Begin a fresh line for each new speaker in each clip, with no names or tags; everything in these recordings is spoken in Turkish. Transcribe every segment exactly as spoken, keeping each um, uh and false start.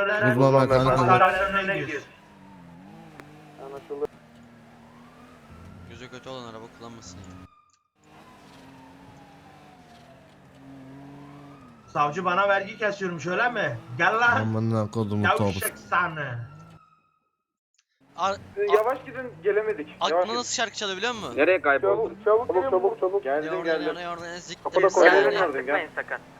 önüne.
Uzman ver kanka.
Hastanenin önüne gidiyoruz.
Anlaşıldı.
Gözü kötü olan araba kullanmasın ya.
Savcı bana vergi kesiyormuş öyle mi? Gel lan.
Amına kodumu topu.
Yavşak sana.
Ar
Yavaş gidin, gelemedik.
Aklıma nasıl şarkı çalıyor biliyor musun?
Nereye kayboldun? Çabuk çabuk çabuk çabuk.
Ne
Geldim
orada
geldim.
ne orada ne zik.
Kapıda koyalım gördün gel.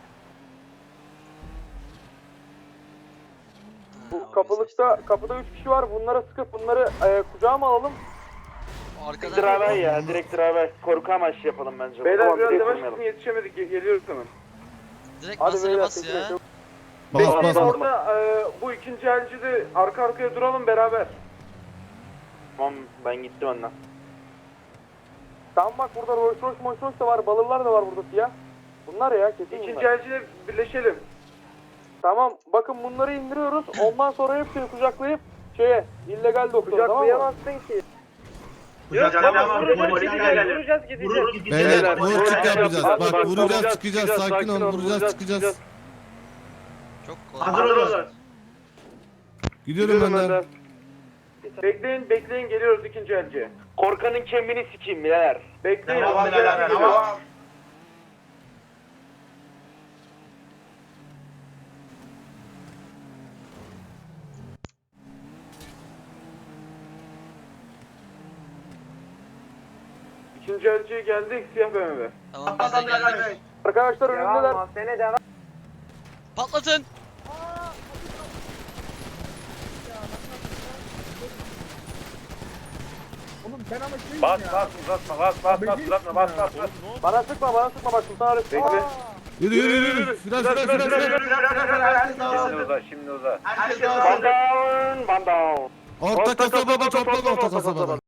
Bu kapılıkta kapıda üç kişi var. Bunlara sıkıp bunları e, kucağıma alalım.
Arkadan
ya, direkt beraber korku amaçlı yapalım bence. Beyler tamam, biraz yavaş gidin, yetişemedik. Geliyoruz hemen.
direkt
Hadi
basına
beyler,
bas ya.
tekrar.
Bas
Bekleyin
bas.
orada e, bu ikinci elci de arka arkaya duralım beraber. Tamam ben gittim önden. Tamam bak burada Rolls Royce Rolls Royce da var, balırlar da var burada siyah. Bunlar ya kesin İkinci bunlar. elciyle birleşelim. Tamam bakın bunları indiriyoruz ondan sonra hepsini kucaklayıp şeye illegal doktora tamam mı? Kucaklayamazsın ki.
Kucaklayamam.
vuracağız,
Polis
gideceğiz,
gelir.
vuracağız, gideceğiz.
Vurur gideceğiz.
Beyler vur çık yapacağız.
Bak,
Bak
bak,
vuracağız
vuracağız,
çıkacağız.
çıkacağız,
Sakin ol
sakin ol,
vuracağız çıkacağız.
Çok kolay.
Hazır olun.
Gidiyorum önden.
Bekleyin, bekleyin geliyoruz ikinci elciye. Korkanın kemiğini sikeyim birader. Bekleyin.
Tamam
avcı
birader,
elci
tamam.
geliyor. İkinci elciye geldik siyah B M W.
Tamam biz de geldik.
Arkadaşlar önündeler.
Patlatın.
Bas bas uzatma bas bas bas uzatma bas bas bas. Bana sıkma bana sıkma bak Sultan Arif. Bekle.
Yürü yürü yürü. Fren fren fren fren.
Şimdi uza şimdi uza.
Herkes
Bandown bandown.
Orta kasabada toplan orta kasabada.